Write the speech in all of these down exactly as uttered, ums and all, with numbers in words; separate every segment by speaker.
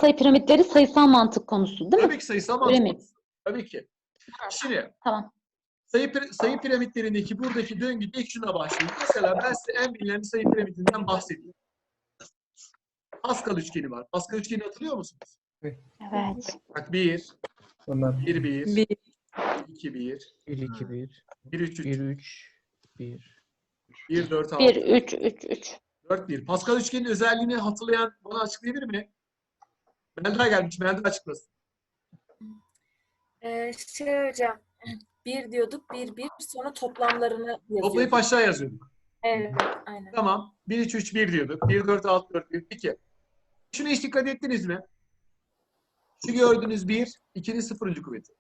Speaker 1: sayı piramitleri sayısal mantık konusu değil mi?
Speaker 2: Tabii ki sayısal mantık
Speaker 1: Öyle mi?
Speaker 2: konusu. Tabii ki. Şimdi
Speaker 1: Tamam.
Speaker 2: sayı, pir- sayı piramitlerindeki buradaki döngü ilk şuna başlıyor. Mesela ben size en bilinen bir sayı piramidinden bahsedeyim. Pascal üçgeni var. Pascal üçgeni hatırlıyor musunuz?
Speaker 1: Evet.
Speaker 2: Bak bir,
Speaker 3: Onlar
Speaker 2: bir, bir,
Speaker 4: Bir.
Speaker 2: iki, bir,
Speaker 3: bir iki bir
Speaker 2: bir, üç, üç,
Speaker 3: bir üç bir
Speaker 2: bir, dört,
Speaker 1: bir,
Speaker 2: altı,
Speaker 1: üç, üç, üç.
Speaker 2: dört, bir. Pascal üçgenin özelliğini hatırlayan bana açıklayabilir mi? Melda gelmiş. Melda açıklasın.
Speaker 4: Ee, şey hocam, bir diyorduk, bir bir, sonra toplamlarını yazıyorduk.
Speaker 2: Toplayıp aşağı yazıyorduk.
Speaker 4: Evet, aynen.
Speaker 2: Tamam. bir, üç, üç, bir diyorduk. bir, dört, altı, dört, bir. Peki. Şuna hiç dikkat ettiniz mi? Şu gördüğünüz bir, ikinin sıfırıncı kuvveti.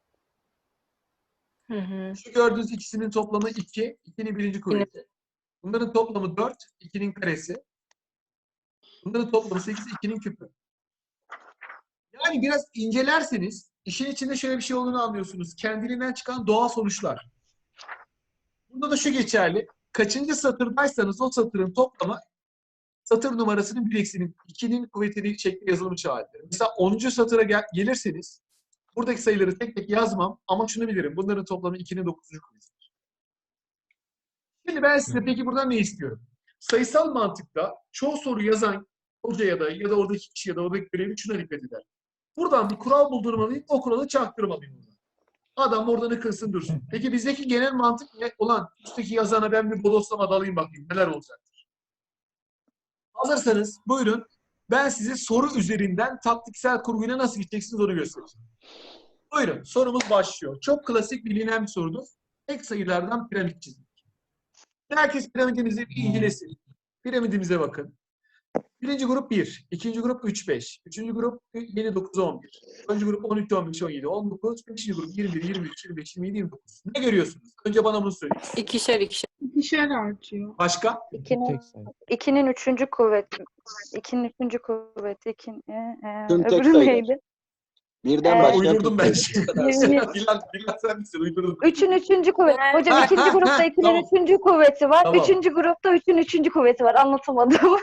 Speaker 4: Hı hı.
Speaker 2: Şu gördüğünüz ikisinin toplamı iki, ikinin birinci kuvveti. Bunların toplamı dört, ikinin karesi. Bunların toplamı sekiz, ikinin küpü. Yani biraz incelerseniz işin içinde şöyle bir şey olduğunu anlıyorsunuz. Kendiliğinden çıkan doğal sonuçlar. Bunda da şu geçerli. Kaçıncı satırdaysanız o satırın toplamı satır numarasının bir eksinin ikinin kuvvetini şekli yazılımı çağırır. Mesela onuncu satıra gel gelirseniz buradaki sayıları tek tek yazmam ama şunu bilirim. Bunların toplamı ikinin dokuzuncu kuvvetidir. Şimdi ben size peki buradan ne istiyorum? Sayısal mantıkta çoğu soru yazan hoca ya da ya da oradaki kişi ya da oradaki görevli şuna dikkat eder. Buradan bir kural buldurmalıyım, o kuralı çaktırmalıyım. Buradan. Adam orada ne kırsın dursun. Peki bizdeki genel mantık ne? Ulan üstteki yazana ben bir bodoslama dalayım bakayım neler olacaktır. Hazırsanız buyurun ben size soru üzerinden taktiksel kurguyla nasıl gideceksiniz onu göstereceğim. Buyurun sorumuz başlıyor. Çok klasik bilinen bir sorudur. Tek sayılardan piramit çizmek. Herkes piramidimizi bir incelesin. Piramidimize bakın. Birinci grup bir, ikinci grup üç, beş, üçüncü grup yedi, dokuz, on bir, dördüncü grup on üç, on beş, on yedi, on dokuz, beşinci grup yirmi bir, yirmi üç, yirmi beş, yirmi yedi, yirmi dokuz. Ne görüyorsunuz? Önce bana bunu söyleyin.
Speaker 4: İkişer ikişer.
Speaker 5: İkişer artıyor.
Speaker 2: Başka?
Speaker 3: tek
Speaker 6: İkinin,
Speaker 3: sayı.
Speaker 6: ikinin üçüncü kuvveti. İkinin üçüncü kuvveti. İkin, e, e,
Speaker 7: Tüm tek
Speaker 6: öbürü
Speaker 7: sayılar.
Speaker 6: neydi?
Speaker 7: Birden
Speaker 6: Ee,
Speaker 7: başlayan
Speaker 2: Uydurdum
Speaker 7: tek
Speaker 2: ben.
Speaker 7: sayılar.
Speaker 6: Yirmi-
Speaker 2: Bilal, Bilal sen misin? Uydurdum.
Speaker 6: Üçün üçüncü kuvveti. Hocam
Speaker 2: Ha,
Speaker 6: ikinci
Speaker 2: ha,
Speaker 6: grupta
Speaker 2: ha,
Speaker 6: ikinin
Speaker 2: tamam.
Speaker 6: üçüncü kuvveti var.
Speaker 2: Tamam.
Speaker 6: Üçüncü grupta üçün üçüncü kuvveti var. Anlatamadım.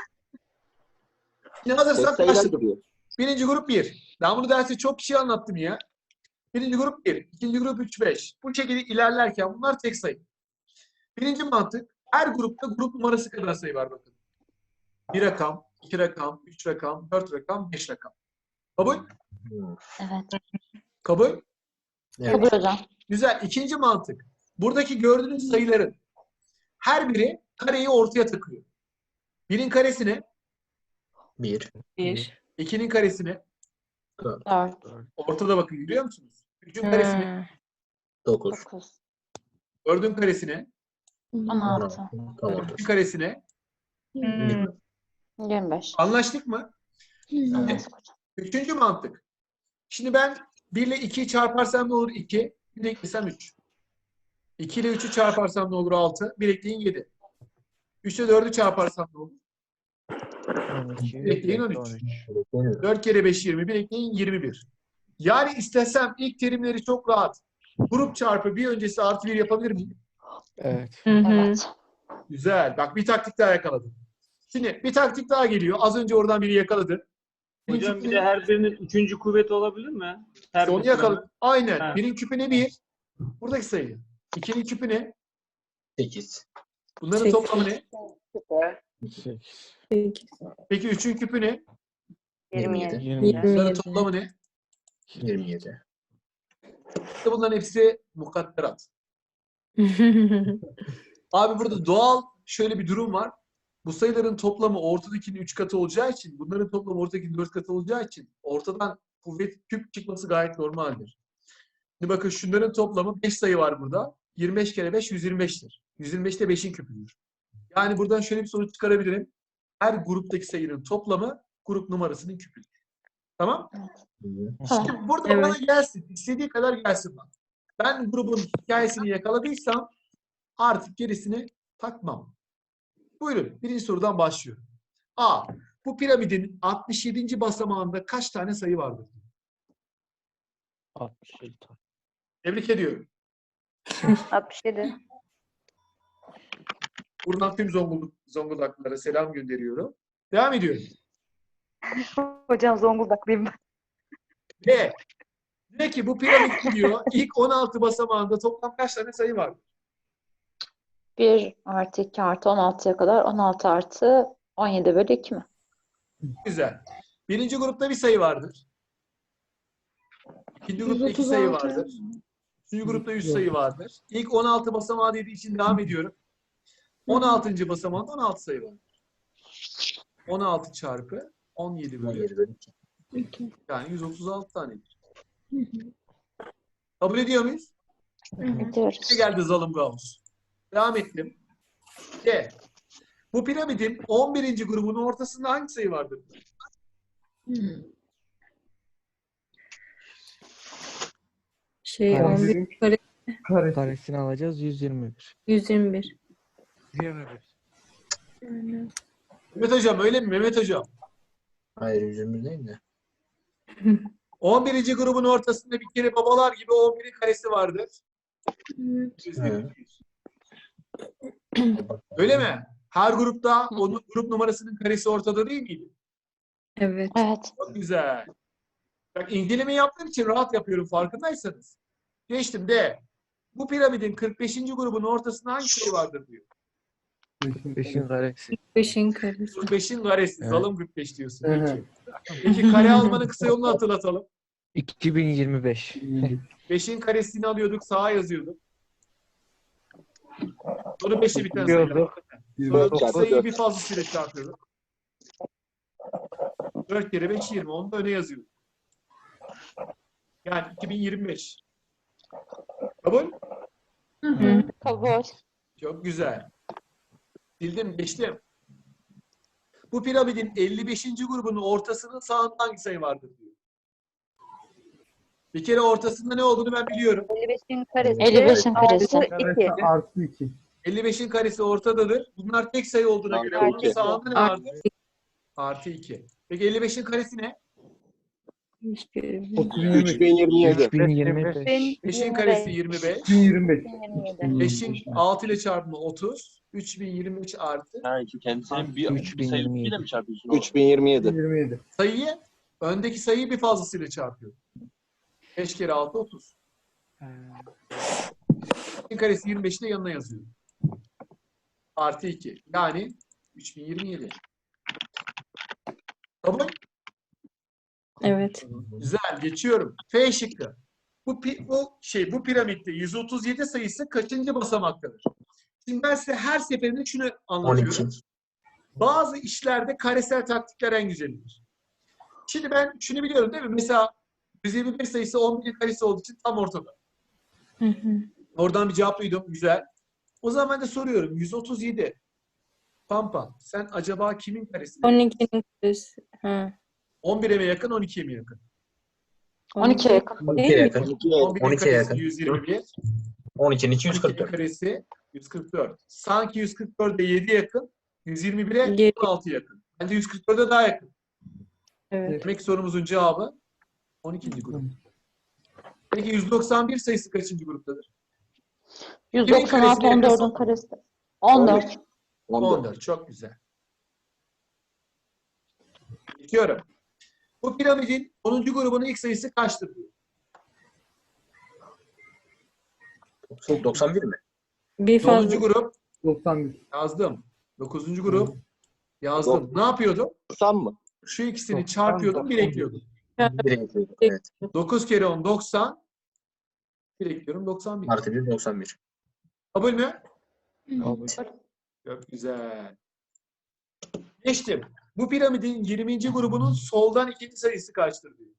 Speaker 2: Şimdi
Speaker 7: Tek
Speaker 2: hazırsak
Speaker 7: sayılar
Speaker 2: başladım.
Speaker 7: duruyor.
Speaker 2: Birinci grup bir. Ben bunu derste çok kişi anlattım ya. Birinci grup bir. İkinci grup üç, beş. Bu şekilde ilerlerken bunlar tek sayı. Birinci mantık. Her grupta grup numarası kadar sayı var bakın. Bir rakam, iki rakam, üç rakam, dört rakam, beş rakam. Kabul?
Speaker 1: Evet.
Speaker 2: Kabul?
Speaker 1: Kabul hocam.
Speaker 2: Güzel. İkinci mantık. Buradaki gördüğünüz sayıların her biri kareyi ortaya takıyor. Birin karesine,
Speaker 3: bir
Speaker 4: Bir.
Speaker 2: ikinin karesine,
Speaker 1: Dört.
Speaker 2: ortada bakın görüyor musunuz? Üçün karesine,
Speaker 4: Hmm.
Speaker 3: dokuz
Speaker 1: Dokuz.
Speaker 2: dördün karesine,
Speaker 1: On altı.
Speaker 2: üçün karesine.
Speaker 4: Hmm.
Speaker 1: Yirmi beş.
Speaker 2: Anlaştık mı?
Speaker 1: Anlaştık hocam.
Speaker 2: Üçüncü mantık. Şimdi ben bir ile ikiyi çarparsam ne olur? iki. bir eklesem üç. iki ile üçü çarparsam ne olur? altı. bir ekleyin yedi. üç ile dördü çarparsam ne olur?
Speaker 3: on iki
Speaker 2: Bir ekleyin on üç. dört kere beş yirmi bir ekleyin yirmi bir. Yani istesem ilk terimleri çok rahat. Grup çarpı bir öncesi artı bir yapabilir miyim?
Speaker 3: Evet.
Speaker 4: Hı hı.
Speaker 1: Evet.
Speaker 2: Güzel. Bak bir taktik daha yakaladım. Şimdi bir taktik daha geliyor. Az önce oradan biri yakaladı.
Speaker 8: Hocam bir de her birinin üçüncü kuvveti olabilir mi? Her
Speaker 2: Onu
Speaker 8: bir
Speaker 2: yakaladı. Aynen.
Speaker 8: Ha.
Speaker 2: Birin küpü ne bir? Buradaki sayı. İkinin küpü ne?
Speaker 3: sekiz
Speaker 2: Bunların
Speaker 4: Sekiz.
Speaker 2: toplamı ne?
Speaker 3: sekiz
Speaker 4: Sekiz.
Speaker 2: Peki üçün küpü ne?
Speaker 6: yirmi yedi.
Speaker 3: yirmi yedi
Speaker 2: Bunların
Speaker 4: yedi.
Speaker 2: toplamı ne?
Speaker 3: yirmi yedi
Speaker 2: İşte bunların hepsi mukadderat. Abi burada doğal şöyle bir durum var. Bu sayıların toplamı ortadakinin üç katı olacağı için, bunların toplamı ortadakinin dört katı olacağı için ortadan kuvvet küp çıkması gayet normaldir. Şimdi bakın şunların toplamı beş sayı var burada. yirmi beş kere beş yüz yirmi beştir. yüz yirmi beş de beşin küpüdür. Yani buradan şöyle bir sonuç çıkarabilirim. Her gruptaki sayının toplamı grup numarasının küpüdür. Tamam?
Speaker 1: Tamam.
Speaker 2: Şimdi burada
Speaker 4: Evet.
Speaker 2: bana gelsin. İstediği kadar gelsin bana. Ben grubun hikayesini yakaladıysam artık gerisini takmam. Buyurun. Birinci sorudan başlıyorum. A. Bu piramidin altmış yedinci basamağında kaç tane sayı vardır?
Speaker 3: altmış yedi tane.
Speaker 2: Tebrik ediyorum.
Speaker 6: altmış yedi.
Speaker 2: Buradan tüm Zonguldak, Zonguldaklılara selam gönderiyorum. Devam ediyorum.
Speaker 6: Hocam Zonguldaklıyım ben.
Speaker 2: Ve diyor ki bu piramit diyor ilk on altı basamağında toplam kaç tane sayı var?
Speaker 1: bir artı iki artı on altıya kadar on altı artı on yedi bölü iki mi?
Speaker 2: Güzel. Birinci grupta bir sayı vardır. İkinci grupta iki sayı vardır. Üçüncü grupta üç sayı vardır. İlk on altı basamağı dediği için devam ediyorum. on altıncı basamağında on altı sayı var. on altı çarpı on yedi bölü iki. Yani yüz otuz altı tanedir. Kabul ediyor muyuz?
Speaker 1: Ediyoruz.
Speaker 2: Ne geldi Zalım Gauss? Devam ettim. C. Bu piramidin on birinci grubunun ortasında hangi sayı vardır?
Speaker 5: Şey on bir
Speaker 3: Karesinin
Speaker 5: kare
Speaker 3: kare.
Speaker 9: Karesini alacağız yüz yirmi bir.
Speaker 5: yüz yirmi bir.
Speaker 3: yirmi bir.
Speaker 2: Mehmet Hocam öyle mi Mehmet Hocam?
Speaker 3: Hayır yüz yirmi bir değil de.
Speaker 2: on birinci grubun ortasında bir kere babalar gibi on birin karesi vardır.
Speaker 3: Evet.
Speaker 2: Öyle mi? Her grupta onun grup numarasının karesi ortada değil miydi?
Speaker 5: Evet.
Speaker 1: Evet.
Speaker 2: Çok güzel. Bak inceleme yaptığım için rahat yapıyorum farkındaysanız. Geçtim de. Bu piramidin kırk beşinci grubun ortasında hangi sayı vardır diyor.
Speaker 9: beşin karesi.
Speaker 5: beşin karesi.
Speaker 2: kırk beşin karesi.
Speaker 9: Evet.
Speaker 2: Zalım kırk beş diyorsun.
Speaker 3: Evet.
Speaker 2: Peki. Peki kare almanın kısa yolunu hatırlatalım.
Speaker 9: iki bin yirmi beş.
Speaker 2: beşin karesini alıyorduk, sağa yazıyorduk. Sonra beşi biten sayı. Sonra
Speaker 7: Çarpı
Speaker 2: sayıyı
Speaker 7: dört.
Speaker 2: bir fazlasıyla çarpıyorduk. dört kere beş yirmi. Onu da öne yazıyorduk. Yani iki bin yirmi beş. Kabul?
Speaker 1: Kabul.
Speaker 2: Çok güzel. Bildim, geçtim. Bu piramidin elli beşinci grubunun ortasının sağında hangi sayı vardır diyor. Bir kere ortasında ne olduğunu ben biliyorum.
Speaker 6: elli beşin karesi.
Speaker 1: elli beşin karesi.
Speaker 6: Artı iki.
Speaker 2: elli beşin karesi ortadadır. Bunlar tek sayı olduğuna
Speaker 7: Artı
Speaker 2: göre onun
Speaker 7: iki.
Speaker 2: sağında ne vardır? Artı iki. Peki elli beşin karesi ne?
Speaker 7: üç bin yirmi yedi.
Speaker 9: üç bin yirmi beş.
Speaker 2: beşin karesi yirmi beş.
Speaker 3: yirmi beş.
Speaker 2: beşin altı ile çarpımı otuz. üç bin yirmi üç artı.
Speaker 8: Ha, kendisinin bir,
Speaker 9: üç bin
Speaker 8: bir sayı
Speaker 9: yirmi yedi.
Speaker 8: ile mi çarpıyorsun?
Speaker 7: üç bin yirmi yedi.
Speaker 3: yirmi yedi.
Speaker 2: Sayıyı, öndeki sayıyı bir fazlasıyla çarpıyor. beş kere altı otuz. beşin karesi yirmi beşi de yanına yazıyor. Artı iki. Yani üç bin yirmi yedi. Kabul?
Speaker 5: Evet.
Speaker 2: Güzel. Geçiyorum. F şıkkı. Bu, pi- bu şey bu piramitte yüz otuz yedi sayısı kaçıncı basamaktadır? Şimdi ben size her seferinde şunu anlatıyorum.
Speaker 3: on iki.
Speaker 2: Bazı işlerde karesel taktikler en güzelidir. Şimdi ben şunu biliyorum değil mi? Mesela yüz yirmi beş sayısı on birin karesi olduğu için tam ortada.
Speaker 5: Hı hı.
Speaker 2: Oradan bir cevap duydum. Güzel. O zaman ben de soruyorum. yüz otuz yedi. Pampa. Sen acaba kimin karesi?
Speaker 5: on ikinin karesi. Ha.
Speaker 2: on bire mi yakın, on ikiye mi yakın?
Speaker 1: on ikiye yakın.
Speaker 3: on ikiye yakın.
Speaker 2: on birin
Speaker 3: on ikiye
Speaker 2: karesi
Speaker 3: yakın.
Speaker 2: yüz yirmi bir.
Speaker 3: on ikinin iki yüz kırk
Speaker 2: on ikinin
Speaker 3: dört.
Speaker 2: karesi yüz kırk dört. Sanki yüz kırk dörde yedi yakın. yüz yirmi bire
Speaker 5: Yedi.
Speaker 2: on altı yakın. Bence yüz kırk dörde daha yakın.
Speaker 5: Evet.
Speaker 2: Demek ki sorumuzun cevabı on ikinci grup. Peki yüz doksan bir sayısı kaçıncı gruptadır?
Speaker 1: yüz doksan altı on dördün karesi. on dört.
Speaker 2: on dört. Çok güzel. Geçiyorum. Bu piramidin onuncu grubunun ilk sayısı kaçtır diyor.
Speaker 3: doksan bir mi?
Speaker 5: Bir fazla.
Speaker 2: onuncu grup
Speaker 3: doksan bir.
Speaker 2: yazdım. dokuzuncu grup yazdım. Ne yapıyordum?
Speaker 7: doksan mı?
Speaker 2: Şu ikisini çarpıyordum, bir ekliyordum.
Speaker 3: Bir ekliyorum. Evet.
Speaker 2: dokuz kere on doksan. Bir ekliyorum doksan bir.
Speaker 3: Artı bir doksan bir.
Speaker 2: Kabul mü?
Speaker 9: Kabul.
Speaker 2: Çok güzel. Geçtim. Bu piramidin yirminci grubunun soldan ikinci sayısı kaçtır diyor.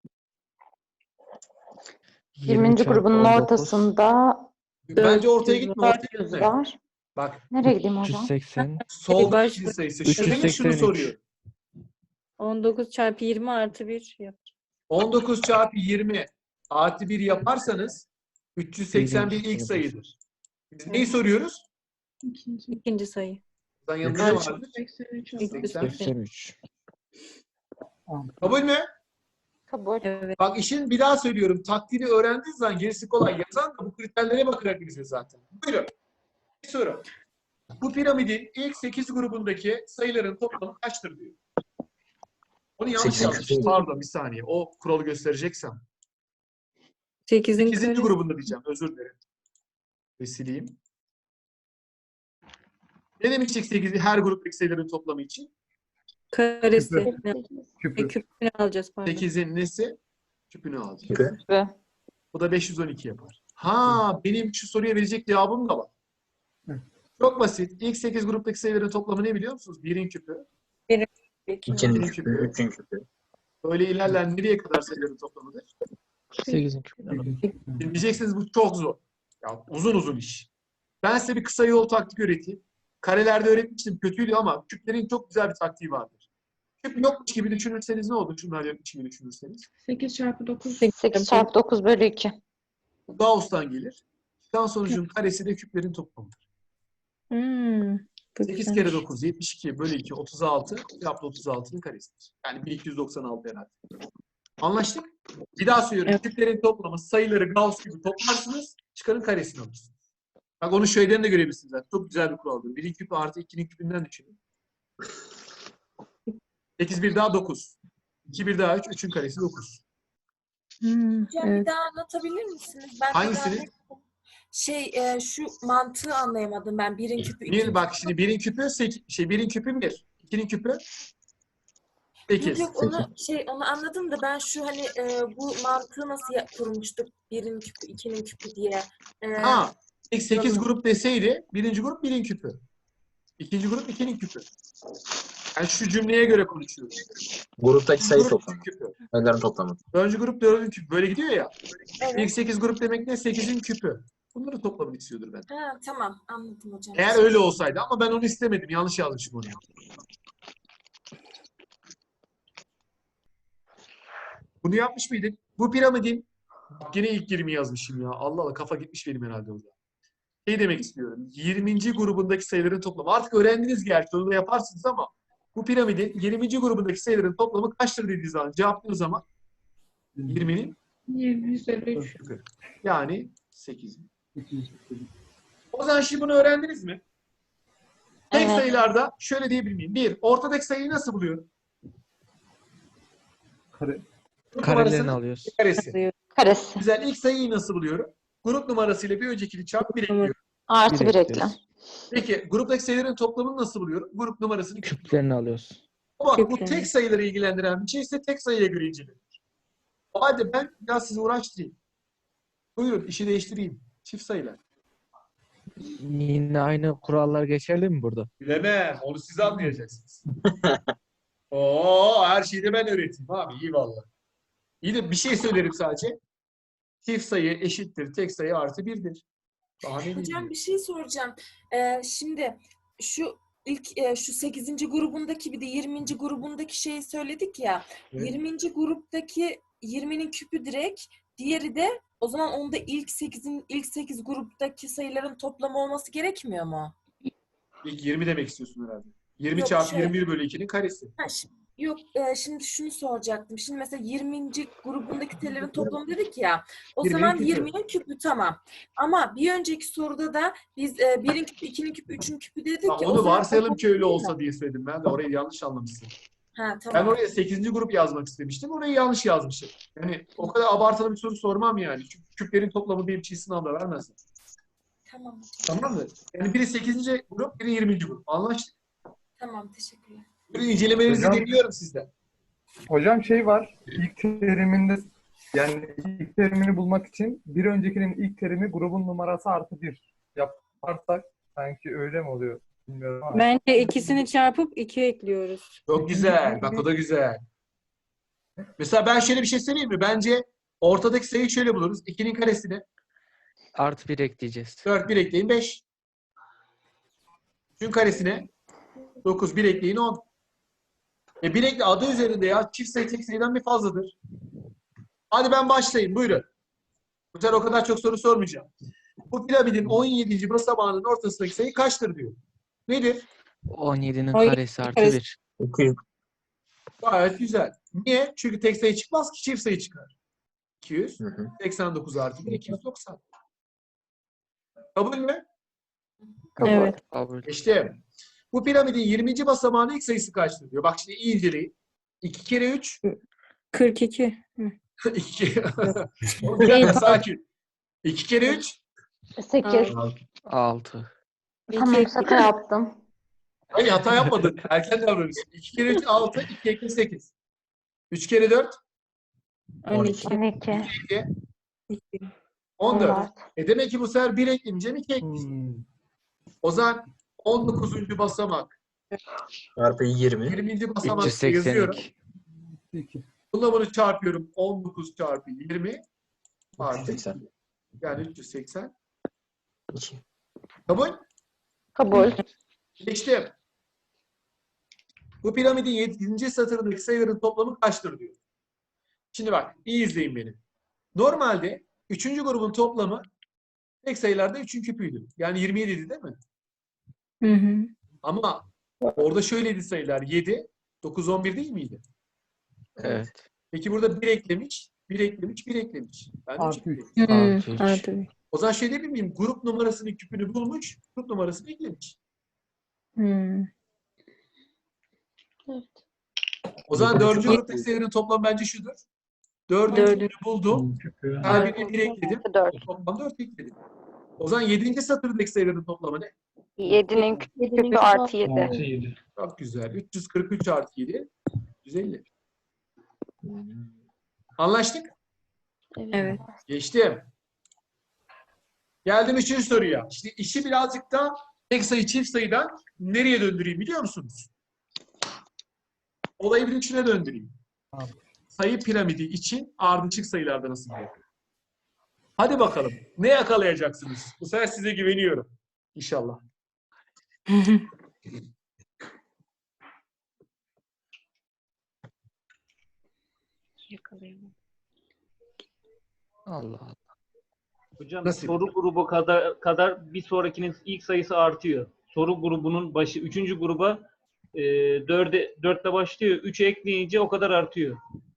Speaker 1: yirminci
Speaker 9: çarpı
Speaker 1: grubunun
Speaker 9: on dokuz,
Speaker 1: ortasında
Speaker 2: Bence ortaya gitme. Ortaya
Speaker 1: dört yüz
Speaker 2: gitme.
Speaker 1: var.
Speaker 2: Bak.
Speaker 1: Nereye gideyim
Speaker 9: üç yüz
Speaker 1: hocam?
Speaker 9: seksen.
Speaker 2: Soldan
Speaker 5: Baş-
Speaker 2: ikinci sayısı.
Speaker 9: üç
Speaker 2: Şu
Speaker 9: yüz
Speaker 2: demek şunu
Speaker 9: seksen üç.
Speaker 2: soruyor.
Speaker 5: on dokuz çarpı yirmi artı bir yap.
Speaker 2: on dokuz çarpı yirmi artı bir yaparsanız üç yüz seksen bir ilk
Speaker 9: Birinci
Speaker 2: sayıdır. Biz neyi soruyoruz?
Speaker 5: İkinci sayı.
Speaker 2: Buradan yanında ne vardır?
Speaker 5: seksen.
Speaker 9: seksen üç.
Speaker 2: Kabul mü?
Speaker 1: Kabul.
Speaker 5: Evet.
Speaker 2: Bak işin bir daha söylüyorum. Taktiğini öğrendiğiniz zaman gerisi kolay. Yazan da bu kriterlere bakarak bize zaten. Buyurun. Bir soru. Bu piramidin ilk sekiz grubundaki sayıların toplamı kaçtır diyor. Onu yanlış
Speaker 3: Sekizin
Speaker 2: yazmışım.
Speaker 3: küpü.
Speaker 2: Pardon bir saniye. O kuralı göstereceksem.
Speaker 5: sekizin
Speaker 2: sekizinci
Speaker 5: karesi.
Speaker 2: grubunda diyeceğim. Özür dilerim. Ve sileyim. Ne demiştik sekiz, her gruptaki sayıların toplamı için?
Speaker 5: Karesi. Ne?
Speaker 9: Küpü.
Speaker 5: E, küpünü alacağız pardon.
Speaker 2: sekizin nesi? Küpünü alacağız.
Speaker 3: Küpü.
Speaker 1: Ve
Speaker 2: Bu da beş yüz on iki yapar. Ha, benim şu soruya verecek cevabım da var. Çok basit. İlk sekiz gruptaki sayıların toplamı ne biliyor musunuz? birin küpü.
Speaker 3: İkinin
Speaker 2: küpü.
Speaker 3: küpü. Üçün küpü.
Speaker 2: Böyle ilerler nereye kadar sayıların toplamıdır?
Speaker 9: sekizin küpü.
Speaker 2: Şimdi diyeceksiniz bu çok zor. Ya uzun uzun iş. Ben size bir kısa yol taktik öğreteyim. Karelerde öğretmiştim. Kötüydü ama küplerin çok güzel bir taktiği vardır. Küp yokmuş gibi düşünürseniz ne olur? Şunlar yokmuş gibi düşünürseniz.
Speaker 10: sekiz çarpı dokuz.
Speaker 1: sekiz çarpı dokuz bölü iki.
Speaker 2: Gauss'tan gelir. Çıkan sonucun karesi de küplerin toplamıdır.
Speaker 5: Hmm, bu
Speaker 2: sekiz
Speaker 5: güzelmiş.
Speaker 2: kere dokuz, yetmiş iki bölü iki, otuz altı. Cevap otuz altının karesidir. Yani bin iki yüz doksan altı herhalde. Anlaştık? Bir daha söylüyorum.
Speaker 5: Evet.
Speaker 2: Küplerin toplamı sayıları Gauss gibi toplarsınız. Çıkarın karesini alırsınız. Bak onu şeyden de görebilirsiniz. zaten. Çok güzel bir kuraldır. birin küpü artı ikinin küpünden düşünün. sekiz bir daha dokuz. iki bir daha üç. üçün karesi dokuz.
Speaker 5: Hmm,
Speaker 4: Hocam
Speaker 5: evet.
Speaker 4: bir daha anlatabilir misiniz? Ben bir
Speaker 2: Hangisini?
Speaker 4: daha- Şey e, şu mantığı anlayamadım ben. Birin küpü,
Speaker 2: Bir,
Speaker 4: ikinci
Speaker 2: bak şimdi birin küpü sek- şey birin küpü bir. ikinin küpü sekiz.
Speaker 4: Yok yok onu şey onu anladım da ben şu hani e, bu mantığı nasıl ya- kurmuştuk? Birin küpü, ikinin küpü diye. E,
Speaker 2: Ha, ilk sekiz grup deseydi birinci grup birin küpü. İkinci grup ikinin küpü. Yani şu cümleye göre konuşuyoruz.
Speaker 3: Gruptaki
Speaker 2: İkinci
Speaker 3: sayı
Speaker 2: grup
Speaker 3: toplamı.
Speaker 2: üçün küpü.
Speaker 3: Sayıların toplamı.
Speaker 2: Dördüncü grup dördüncü küpü. Böyle gidiyor ya.
Speaker 4: evet.
Speaker 2: İlk sekiz grup demek ne? sekizin küpü. Bunları toplamını istiyordur ben.
Speaker 4: Ha, tamam anladım hocam.
Speaker 2: Eğer öyle olsaydı ama ben onu istemedim. Yanlış yazmışım onu. Bunu yapmış mıydık? Bu piramidin yine ilk yirmi yazmışım ya. Allah Allah kafa gitmiş benim herhalde orada. Şey demek istiyorum. yirminci grubundaki sayıların toplamı. Artık öğrendiniz gerçi. Onu da yaparsınız ama bu piramidin yirminci grubundaki sayıların toplamı kaçtır dediği zaman cevaplıyoruz zaman yirminin
Speaker 10: yüz elli üç.
Speaker 2: küpü. Yani sekiz. O zaman şimdi bunu öğrendiniz mi? Tek
Speaker 1: Evet.
Speaker 2: sayılarda şöyle diyebilir miyim? Bir, ortadaki sayıyı nasıl buluyorum?
Speaker 9: Kare.
Speaker 2: Grup
Speaker 9: Karelerini
Speaker 2: numarasının
Speaker 9: alıyoruz.
Speaker 2: karesi.
Speaker 1: Karesi.
Speaker 2: Güzel. İlk sayıyı nasıl buluyorum? Grup numarasıyla bir öncekini çarp bir ekliyorum.
Speaker 1: Artı
Speaker 9: Bir
Speaker 1: bir
Speaker 9: ekliyoruz.
Speaker 1: ekle.
Speaker 2: Peki gruptaki sayıların toplamını nasıl buluyorum? Grup numarasını küp.
Speaker 9: Küplerini alıyoruz.
Speaker 2: Bak bu
Speaker 5: Küplerini.
Speaker 2: tek sayıları ilgilendiren bir şey ise tek sayıya göre incelenir. Hadi ben biraz sizi uğraştırayım. Buyurun işi değiştireyim. Çift sayılar.
Speaker 9: Yine aynı kurallar geçerli mi burada?
Speaker 2: Bilemem. Onu siz anlayacaksınız. Oo, her şeyi de ben öğreteyim abi. İyi valla. İyi de bir şey söylerim sadece. Çift sayı eşittir. Tek sayı artı birdir. Daha ne
Speaker 4: Hocam
Speaker 2: diyeyim?
Speaker 4: bir şey soracağım. Ee, şimdi şu ilk e, şu sekizinci grubundaki bir de yirminci grubundaki şeyi söyledik ya.
Speaker 2: Evet.
Speaker 4: yirminci gruptaki yirminin küpü direkt, diğeri de o zaman onda ilk sekizin ilk sekiz gruptaki sayıların toplamı olması gerekmiyor mu?
Speaker 2: İlk yirmi demek istiyorsun herhalde. yirmi
Speaker 4: Yok,
Speaker 2: çarpı
Speaker 4: şöyle.
Speaker 2: yirmi bir bölü ikinin karesi.
Speaker 4: Ha, şi- yok e, şimdi şunu soracaktım. Şimdi mesela yirminci grubundaki sayıların toplamı dedik ya. O
Speaker 2: yirminin
Speaker 4: zaman
Speaker 2: küpü.
Speaker 4: yirminin küpü tamam. Ama bir önceki soruda da biz e, birin küpü, ikinin küpü, üçün küpü dedik
Speaker 2: Ha,
Speaker 4: ya. o
Speaker 2: onu
Speaker 4: zaman
Speaker 2: varsayalım
Speaker 4: toplam
Speaker 2: ki öyle
Speaker 4: değil mi?
Speaker 2: olsa diye söyledim. Ben de orayı yanlış anlamışsın.
Speaker 4: Ha
Speaker 2: Ben
Speaker 4: tamam.
Speaker 2: oraya sekizinci grup yazmak istemiştim. Orayı yanlış yazmışım. Yani o kadar abartılı bir soru sormam yani. Çünkü küplerin toplamı bir çift sınavda vermez.
Speaker 4: Tamam.
Speaker 2: Tamam mı? Yani biri sekizinci grup, biri yirminci grup. Anlaştık.
Speaker 4: Tamam teşekkürler.
Speaker 2: Buyurun incelemelerinizi
Speaker 11: Hocam-
Speaker 2: bekliyorum sizden.
Speaker 11: Hocam şey var, ilk teriminde yani ilk terimini bulmak için bir öncekinin ilk terimi grubun numarası artı bir yaparsak sanki öyle mi oluyor bilmiyorum ama.
Speaker 5: Bence ikisini çarpıp iki ekliyoruz.
Speaker 2: Çok güzel. Bak o da güzel. Mesela ben şöyle bir şey söyleyeyim mi? Bence ortadaki sayıyı şöyle buluruz. ikinin karesine
Speaker 9: Artı bir ekleyeceğiz.
Speaker 2: dört, bir ekleyin beş. üçün karesine dokuz, bir ekleyin on. E bir ekle adı üzerinde ya. Çift sayı tek sayıdan bir fazladır. Hadi ben başlayayım. Buyurun. Bu sefer o kadar çok soru sormayacağım. Bu piramidin on yedinci basamağının ortasındaki sayı kaçtır diyor. Nedir?
Speaker 9: on yedinin
Speaker 5: On yedi
Speaker 9: karesi artı
Speaker 5: karesi.
Speaker 9: bir.
Speaker 3: Okuyun.
Speaker 2: Gayet güzel. Niye? Çünkü tek sayı çıkmaz ki çift sayı çıkar. iki yüz
Speaker 3: Hı hı.
Speaker 2: seksen dokuz artı bir, iki yüz doksan. Kabul mü?
Speaker 5: Evet.
Speaker 9: Kabul.
Speaker 2: İşte bu piramidin yirminci basamağının ilk sayısı kaçtır diyor. Bak şimdi iyi inceleyin. iki kere üç.
Speaker 5: kırk iki. Hı.
Speaker 2: iki. Oğlum bir dakika sakin. iki kere üç.
Speaker 1: sekiz.
Speaker 9: altı.
Speaker 1: Tamam şaka yaptım.
Speaker 2: Hayır hata yapmadın. Erken davranıyorsun. iki kere üç altı. iki ekle sekiz. üç kere dört.
Speaker 5: on iki.
Speaker 1: on iki.
Speaker 2: iki. on dört.
Speaker 1: on dört.
Speaker 2: E demek ki bu sefer bir ekleyeceğim. iki ekleyeceğim.
Speaker 11: Hmm.
Speaker 2: O zaman on dokuzuncu basamak.
Speaker 3: Çarpı yirmi.
Speaker 2: yirminci basamak
Speaker 9: üç yüz seksen
Speaker 2: yazıyorum.
Speaker 9: iki.
Speaker 11: iki.
Speaker 2: Bununla bunu çarpıyorum. on dokuz çarpı yirmi artı
Speaker 3: seksen.
Speaker 2: yani üç yüz seksen.
Speaker 3: iki.
Speaker 2: Kabul?
Speaker 1: Kabul.
Speaker 2: Geçtim. Bu piramidin yedinci satırındaki sayıların toplamı kaçtır diyor. Şimdi bak iyi izleyin beni. Normalde üçüncü grubun toplamı tek sayılarda üçün küpüydü. Yani yirmi yedi değil mi?
Speaker 5: Hı hı.
Speaker 2: Ama orada şöyleydi sayılar. yedi, dokuz, on bir değil miydi?
Speaker 9: Evet.
Speaker 2: Peki burada bir eklemiş, bir eklemiş, bir eklemiş. Ben de üç
Speaker 11: Artı üç.
Speaker 2: eklemiş.
Speaker 5: Hı,
Speaker 9: Artı üç.
Speaker 5: artı bir.
Speaker 2: O zaman şey diyebilir miyim? Grup numarasının küpünü bulmuş, grup numarasını eklemiş.
Speaker 5: Hı.
Speaker 2: O zaman dördüncü gruptaki sayıların toplamı bence şudur. Dördün
Speaker 5: Dördün-
Speaker 2: küpünü buldum.
Speaker 8: Küpü.
Speaker 2: Her birine bir ekledim.
Speaker 6: dört.
Speaker 2: Toplam dört ekledim. O zaman yedinci satırdaki sayıların toplamı ne?
Speaker 6: yedinin küpü artı yedi.
Speaker 8: altı yedi.
Speaker 2: Çok güzel. üç yüz kırk üç artı yedi. yüz elli. Anlaştık?
Speaker 5: Evet.
Speaker 2: Geçtim. Geldim üçüncü soruya. İşte işi birazcık da tek sayı çift sayıdan nereye döndüreyim biliyor musunuz? Olayı bir üçüne döndüreyim.
Speaker 11: Tamam.
Speaker 2: Sayı piramidi için ardışık sayılarda nasıl yapıyor? Hadi bakalım. Ne yakalayacaksınız? Bu sefer size güveniyorum. İnşallah.
Speaker 9: Allah Allah.
Speaker 8: Hocam
Speaker 2: Nasıl?
Speaker 8: soru grubu kadar kadar bir sonrakinin ilk sayısı artıyor. Soru grubunun başı üçüncü gruba e, dörde dörtle başlıyor. üçe ekleyince o kadar artıyor.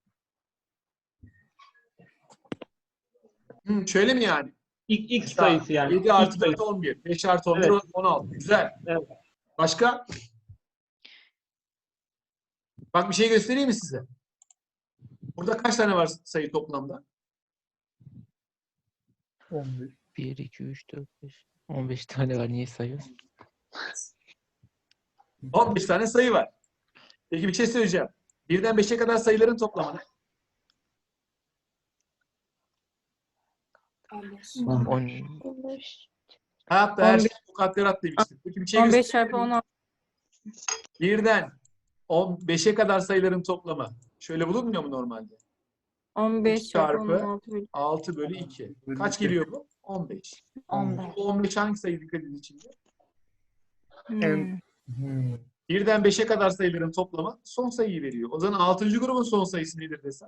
Speaker 2: Hmm, şöyle mi yani?
Speaker 8: İlk ilk
Speaker 2: Mesela
Speaker 8: sayısı yani.
Speaker 2: yedi
Speaker 8: İlk
Speaker 2: artı
Speaker 8: sayısı.
Speaker 2: dört on bir. beş artı on bir
Speaker 8: Evet.
Speaker 2: on altı. Güzel.
Speaker 8: Evet.
Speaker 2: Başka? Bak bir şey göstereyim mi size? Burada kaç tane var sayı toplamda?
Speaker 11: on bir.
Speaker 9: bir, iki, üç, dört, beş. on beş tane var. Niye sayıyorsun?
Speaker 2: on beş tane sayı var. Peki bir şey söyleyeceğim. birden beşe kadar sayıların toplamı ne?
Speaker 9: on,
Speaker 2: Hayatta her şey mukadderat demiştik. Peki bir şey
Speaker 5: on beş
Speaker 2: göstereyim
Speaker 5: çarpı
Speaker 2: mi?
Speaker 5: on altı.
Speaker 2: birden on beşe kadar sayıların toplamı. Şöyle bulunmuyor mu normalde?
Speaker 5: on beş
Speaker 2: üç
Speaker 5: çarpı on
Speaker 2: çarpı
Speaker 5: altı bölü.
Speaker 2: altı bölü iki. Kaç geliyor bu? on beş.
Speaker 1: on beş.
Speaker 2: Bu on beş hangi sayı dikkat edin içinde?
Speaker 5: Hmm.
Speaker 11: Hmm.
Speaker 2: birden beşe kadar sayıların toplamı son sayıyı veriyor. O zaman altıncı grubun son sayısı nedir desem?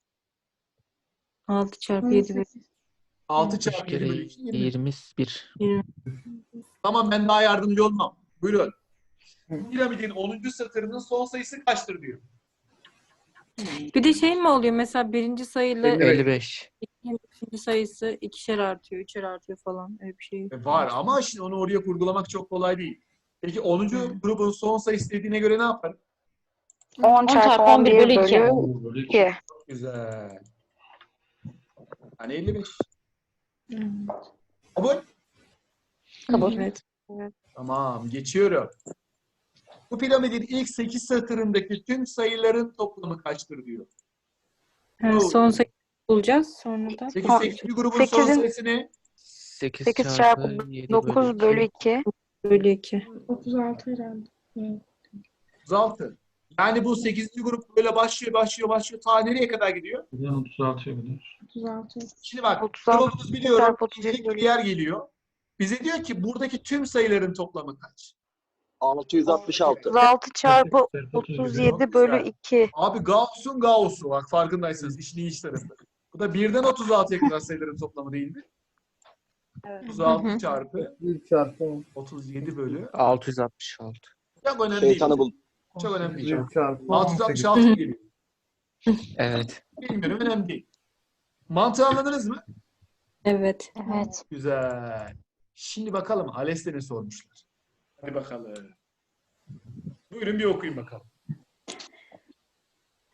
Speaker 5: altı çarpı yedi bölü.
Speaker 2: altı
Speaker 9: üç
Speaker 2: çarpı yedi
Speaker 9: kere
Speaker 2: bölü iki. yirmi.
Speaker 9: yirmi bir.
Speaker 2: Tamam ben daha yardımcı olmam. Buyurun. Piramidin onuncu satırının son sayısı kaçtır diyor.
Speaker 5: Bir de şey mi oluyor mesela birinci sayıyla
Speaker 9: elli beş.
Speaker 5: ikinci sayısı ikişer artıyor, üçer artıyor falan öyle bir şey.
Speaker 2: E, Var ama şimdi onu oraya kurgulamak çok kolay değil. Peki onuncu
Speaker 5: Hı.
Speaker 2: grubun son sayısı dediğine göre ne yapar?
Speaker 6: on çarpı on bir bölü
Speaker 8: Böyle
Speaker 6: iki.
Speaker 2: Güzel. Yani elli beş.
Speaker 5: Hmm.
Speaker 2: Kabul.
Speaker 1: Kabul.
Speaker 5: Evet.
Speaker 2: Tamam geçiyorum. Bu piramidin ilk sekiz satırındaki tüm sayıların toplamı kaçtır diyor.
Speaker 5: Ha, son sayı bulacağız sonra da.
Speaker 2: Peki sekizinci grubun son
Speaker 6: Sekizin-
Speaker 2: sayısı ne?
Speaker 9: sekiz,
Speaker 6: sekiz
Speaker 9: çarpı
Speaker 6: çarpı
Speaker 9: yedi
Speaker 6: dokuz bölü iki.
Speaker 5: Bölü iki.
Speaker 10: otuz altı herhalde.
Speaker 2: otuz altı. Yani bu sekizinci grup böyle başlıyor, başlıyor, başlıyor. Ta nereye kadar gidiyor?
Speaker 8: Buradan otuz altıya kadar.
Speaker 10: otuz altı.
Speaker 2: Şimdi bak,
Speaker 6: otuz altı
Speaker 2: kuralımız biliyorum.
Speaker 6: çarpı otuz yedi
Speaker 2: İlk
Speaker 6: bölü
Speaker 2: bir yer geliyor. Bize diyor ki buradaki tüm sayıların toplamı kaç?
Speaker 7: altı yüz altmış altı.
Speaker 6: otuz altı çarpı
Speaker 8: Çarpı otuz
Speaker 6: otuz
Speaker 8: yedi.
Speaker 6: yedi bölü iki.
Speaker 2: Abi Gauss'un Gauss'u. Bak farkındaysanız işin iyi iş tarafı. Bu da birden otuz altıya kadar sayıların toplamı değil mi? otuz altı
Speaker 1: Hı hı.
Speaker 2: çarpı
Speaker 11: bir çarpı on.
Speaker 2: otuz yedi bölü.
Speaker 9: altı yüz altmış altı.
Speaker 2: Çok önemli değil.
Speaker 7: Şeytanı bul.
Speaker 2: Çok önemli değil.
Speaker 11: bir çarpı on
Speaker 2: altı yüz altmış
Speaker 11: sekiz.
Speaker 2: altı mı geliyor?
Speaker 9: Evet.
Speaker 2: Bilmiyorum önemli değil. Mantığı anladınız mı?
Speaker 5: Evet.
Speaker 1: Evet.
Speaker 2: Güzel. Şimdi bakalım ALES'te ne sormuşlar. Hadi bakalım. Buyurun bir okuyun bakalım.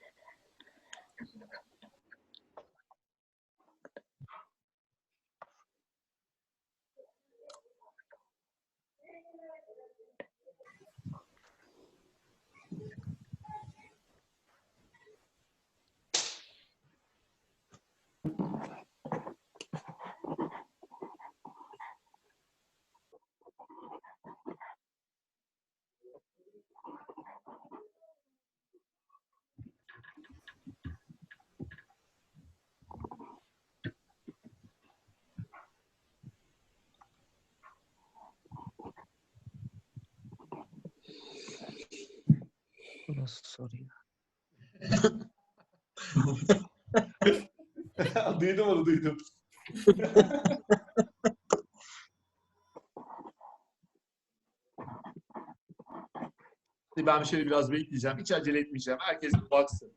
Speaker 9: nasıl soru ya?
Speaker 2: Duydum onu duydum. Ben şöyle biraz bekleyeceğim. Hiç acele etmeyeceğim. Herkes bir baksın.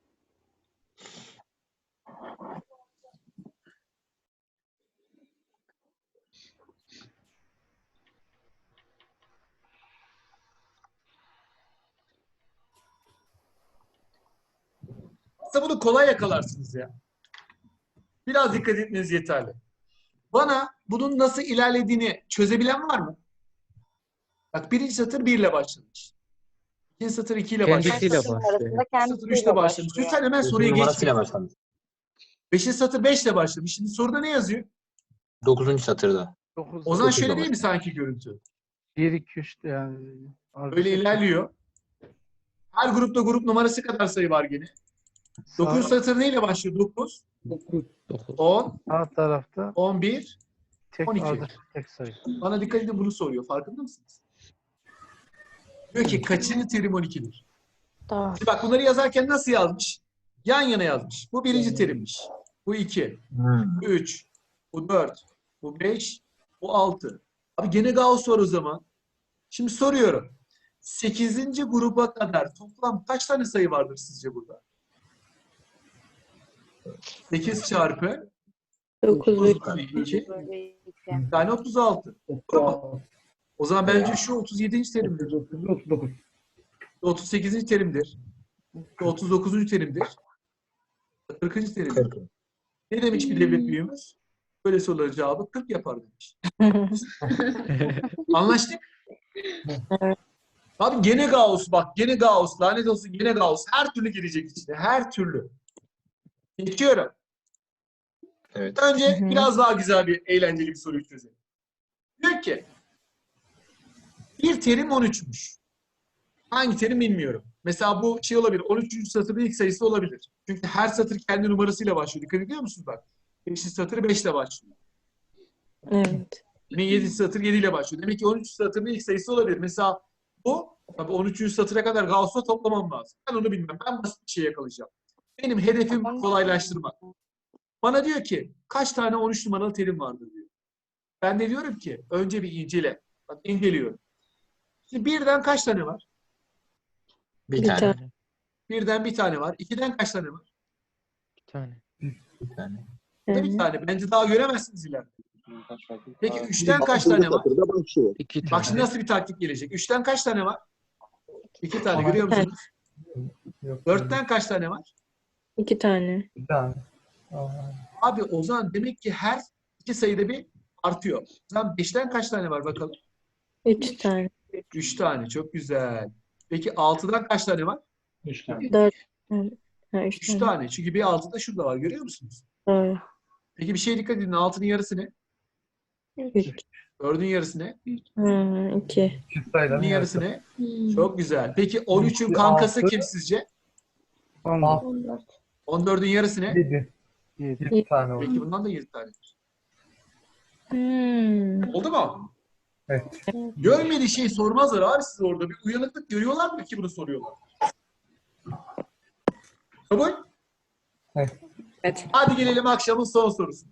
Speaker 2: Aslında bunu kolay yakalarsınız ya. Biraz dikkat etmeniz yeterli. Bana bunun nasıl ilerlediğini çözebilen var mı? Bak birinci satır bir ile başlamış. İkinci satır iki ile başlamış.
Speaker 9: Kendisiyle
Speaker 6: Satırın
Speaker 9: başlıyor.
Speaker 6: arasında
Speaker 2: Satır üç
Speaker 6: kendisiyle
Speaker 2: ile başlamış.
Speaker 6: başlıyor.
Speaker 2: Lütfen hemen soruya
Speaker 3: Grup numarasıyla
Speaker 2: geçmeyin.
Speaker 3: başlamış.
Speaker 2: Beşinci satır beş ile başlamış. Şimdi soruda ne yazıyor?
Speaker 3: Dokuzuncu satırda.
Speaker 11: dokuz,
Speaker 2: O zaman
Speaker 3: dokuz ile
Speaker 2: şöyle değil mi
Speaker 3: başlamış.
Speaker 2: sanki görüntü?
Speaker 11: bir, iki, üç yani.
Speaker 2: Böyle ilerliyor. Her grupta grup numarası kadar sayı var gene. dokuz satır neyle başlıyor? dokuz,
Speaker 9: dokuz.
Speaker 2: on,
Speaker 11: Sağ tarafta
Speaker 2: on bir,
Speaker 11: tek
Speaker 2: on iki.
Speaker 11: ardışık tek sayı.
Speaker 2: Bana dikkat edin bunu soruyor. Farkında mısınız? Diyor ki kaçıncı terim on ikidir?
Speaker 1: Doğru.
Speaker 2: Şimdi bak bunları yazarken nasıl yazmış? Yan yana yazmış. Bu birinci terimmiş. Bu iki.
Speaker 3: Hmm.
Speaker 2: Bu üç. Bu dört. Bu beş. Bu altı. Abi gene Gauss var o zaman. Şimdi soruyorum. sekizinci gruba kadar toplam kaç tane sayı vardır sizce burada? sekiz çarpı
Speaker 5: dokuz ve
Speaker 2: dokuz bölü iki
Speaker 6: Böyle iki.
Speaker 2: tane otuz altı. Tamam. O zaman bence şu otuz yedinci terimdir.
Speaker 11: otuz dokuz.
Speaker 2: otuz sekizinci terimdir. otuz dokuzuncu terimdir. kırkıncı terimdir.
Speaker 3: kırk.
Speaker 2: Ne demiş bir devlet büyüğümüz? Böyle soruların cevabı kırk yapar demiş. Anlaştık? Abi gene Gauss bak. Gene Gauss. Lanet olsun gene Gauss. Her türlü girecek içine. Her türlü. Geçiyorum.
Speaker 3: Evet.
Speaker 2: Önce
Speaker 5: Hı hı.
Speaker 2: biraz daha güzel bir eğlenceli bir soruyu çözelim. Diyor ki bir terim on üçmüş. Hangi terim bilmiyorum. Mesela bu şey olabilir. on üçüncü satırın ilk sayısı olabilir. Çünkü her satır kendi numarasıyla başlıyor. Dikkat ediyor musunuz bak? beşinci satır beş ile başlıyor.
Speaker 5: evet.
Speaker 2: Yine yedinci satır yedi ile başlıyor. Demek ki on üçüncü satırın ilk sayısı olabilir. Mesela bu tabii on üçüncü satıra kadar Gauss'la toplamam lazım. Ben onu bilmem. Ben basit bir şey yakalayacağım. Benim hedefim kolaylaştırmak. Bana diyor ki kaç tane on üç numaralı terim vardır diyor. Ben de diyorum ki önce bir incele. Bak inceliyorum. Şimdi birden kaç tane var?
Speaker 3: Bir
Speaker 5: Bir
Speaker 3: tane.
Speaker 5: tane.
Speaker 2: Birden bir tane var. İkiden kaç tane var?
Speaker 9: Bir tane.
Speaker 3: Bir tane.
Speaker 2: Bir de bir
Speaker 5: Evet.
Speaker 2: tane. Bence daha göremezsiniz ileride. Peki üçten
Speaker 7: Altıncı
Speaker 2: kaç tane var?
Speaker 7: satırda başlıyor.
Speaker 9: İki
Speaker 2: Bak
Speaker 9: tane.
Speaker 2: şimdi nasıl bir taktik gelecek? Üçten kaç tane var? İki tane.
Speaker 11: Aha.
Speaker 2: Görüyor musunuz?
Speaker 11: Yok,
Speaker 2: Dörtten kaç tane var?
Speaker 5: İki tane.
Speaker 11: bir tane. Aa,
Speaker 2: Abi o zaman demek ki her iki sayıda bir artıyor. O zaman beşten kaç tane var bakalım?
Speaker 5: Üç tane.
Speaker 2: Üç tane. Çok güzel. Peki altıdan kaç tane var?
Speaker 5: Dört. Evet. Ha, üç
Speaker 2: Üç
Speaker 5: tane.
Speaker 2: tane. Çünkü bir altı da şurada var. Görüyor musunuz?
Speaker 5: Doğru.
Speaker 2: Peki bir şeye dikkat edin. Altının yarısı ne?
Speaker 5: Üç.
Speaker 2: Dördün yarısı ne?
Speaker 5: Ha, iki.
Speaker 11: iki sayıların
Speaker 2: Dördün yarısı
Speaker 11: yarısı.
Speaker 2: ne? Çok güzel. Peki on üçün
Speaker 11: İki,
Speaker 2: kankası
Speaker 11: altı.
Speaker 2: kim sizce?
Speaker 11: Altı,
Speaker 2: on dördün yarısı ne?
Speaker 11: yedi. Yedi tane oldu.
Speaker 2: Peki bundan da yedi tane.
Speaker 5: Hmm.
Speaker 2: Oldu mu?
Speaker 11: Evet.
Speaker 2: Görmediği şey sormazlar abi siz orada. Bir uyanıklık görüyorlar mı ki bunu soruyorlar? Kabul?
Speaker 11: Evet.
Speaker 5: Evet.
Speaker 2: Hadi gelelim akşamın son sorusu.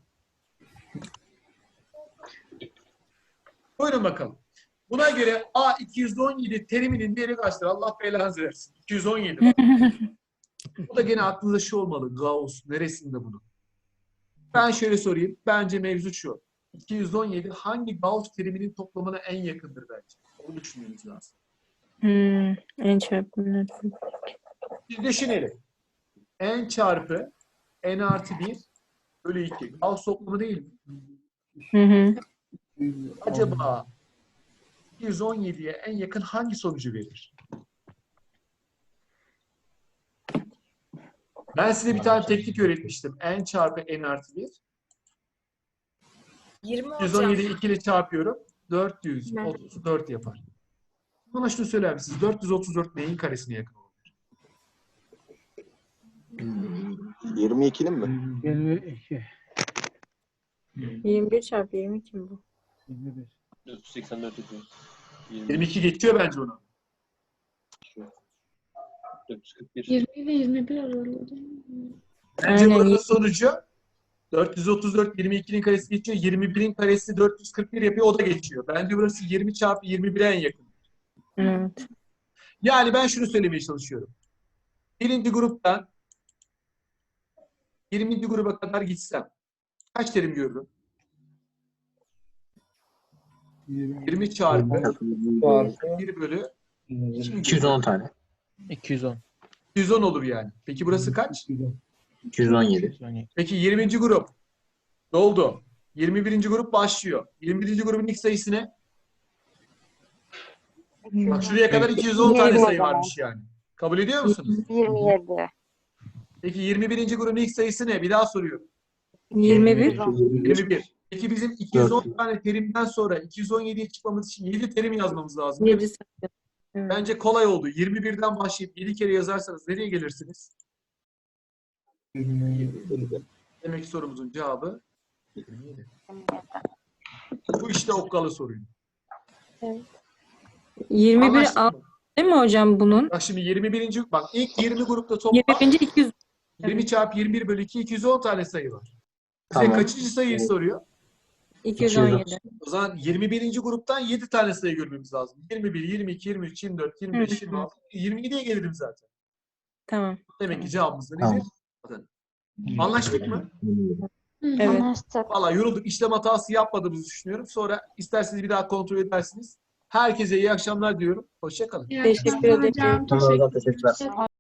Speaker 2: Buyurun bakalım. Buna göre A iki yüz on yedi teriminin değeri kaçtır? Allah belanızı versin. iki yüz on yedi bak. Bu da gene aklınızda şu olmalı. Gauss neresinde bunu? Ben şöyle sorayım. Bence mevzu şu. iki yüz on yedi hangi Gauss teriminin toplamına en yakındır bence? Onu düşünmemiz lazım.
Speaker 5: Hmm. En çarpımlar.
Speaker 2: Biz düşünelim. N çarpı N artı bir bölü iki. Gauss toplamı değil mi?
Speaker 5: Hı hı.
Speaker 2: Acaba iki yüz on yediye en yakın hangi sonucu verir? Ben size bir tane teknik öğretmiştim. N çarpı N artı bir.
Speaker 4: yirmi
Speaker 2: iki yüz on
Speaker 4: hocam.
Speaker 2: yediyi iki ile çarpıyorum. dört yüz otuz dört yapar. Bana şunu söyler misiniz? dört yüz otuz dört neyin karesine yakın olur?
Speaker 7: yirmi ikinin mi?
Speaker 11: yirmi iki.
Speaker 5: yirmi bir çarpı yirmi iki mi bu?
Speaker 11: yirmi bir.
Speaker 2: yirmi iki geçiyor bence onu.
Speaker 3: dört yüz kırk bir.
Speaker 10: yirmi ile yirmi bir aralığı.
Speaker 2: Bence
Speaker 5: Aynen.
Speaker 2: buranın sonucu dört yüz otuz dört yirmi ikinin karesi geçiyor. yirmi birin karesi dört yüz kırk bir yapıyor. O da geçiyor. Bence burası yirmi çarpı yirmi bire en yakın.
Speaker 5: Evet.
Speaker 2: Yani ben şunu söylemeye çalışıyorum. Birinci gruptan yirminci gruba kadar gitsem kaç terim görürüm? yirmi çarpı
Speaker 11: Çarpı
Speaker 2: bir bölü
Speaker 3: iki yüz on tane.
Speaker 9: iki yüz on.
Speaker 2: iki yüz on olur yani. Peki burası kaç?
Speaker 3: iki yüz on yedi.
Speaker 2: Peki yirminci grup doldu. yirmi birinci grup başlıyor. yirmi birinci grubun ilk sayısı ne? Bak şuraya kadar iki yüz on tane
Speaker 6: Yirmi
Speaker 2: sayı
Speaker 6: o zaman.
Speaker 2: varmış yani. Kabul ediyor musunuz?
Speaker 6: yirmi yedi.
Speaker 2: Peki yirmi birinci grubun ilk sayısı ne? Bir daha soruyorum.
Speaker 5: yirmi bir.
Speaker 2: yirmi bir. Peki bizim iki yüz on tane terimden sonra iki yüz on yediye çıkmamız için yedi terim yazmamız lazım.
Speaker 5: yedi sayı. Evet.
Speaker 2: Bence kolay oldu. yirmi birden başlayıp yedi kere yazarsanız nereye gelirsiniz? Demek ki sorumuzun cevabı yirmi yedi. Bu işte okkalı soruydu.
Speaker 5: yirmi bir
Speaker 2: Anlaştık
Speaker 5: alt
Speaker 2: mı?
Speaker 5: değil mi hocam bunun?
Speaker 2: Bak şimdi yirmi birinci bak ilk yirmi grupta toplam
Speaker 5: yirmi birinci iki yüz.
Speaker 2: yirmi çarpı yirmi bir bölü iki iki yüz on tane sayı var. Bize
Speaker 3: Tamam.
Speaker 2: kaçıncı sayıyı soruyor?
Speaker 5: iki yüz on yedi.
Speaker 2: O zaman yirmi birinci gruptan yedi tane sayı görmemiz lazım. yirmi bir, yirmi iki, yirmi üç, yirmi dört, yirmi beş, yirmi altı, yirmi yediye gelirim zaten.
Speaker 5: Tamam.
Speaker 2: Demek ki cevabımız da
Speaker 3: Tamam.
Speaker 2: nedir? Zaten. Anlaştık mı?
Speaker 5: Evet.
Speaker 1: Anlaştık.
Speaker 2: Valla yorulduk. İşlem hatası yapmadığımızı düşünüyorum. Sonra isterseniz bir daha kontrol edersiniz. Herkese iyi akşamlar diyorum. Hoşça kalın.
Speaker 10: İyi
Speaker 5: Teşekkür
Speaker 10: akşamlar
Speaker 5: ederim.
Speaker 10: hocam.
Speaker 3: Tamam,
Speaker 10: Teşekkür
Speaker 3: teşekkürler.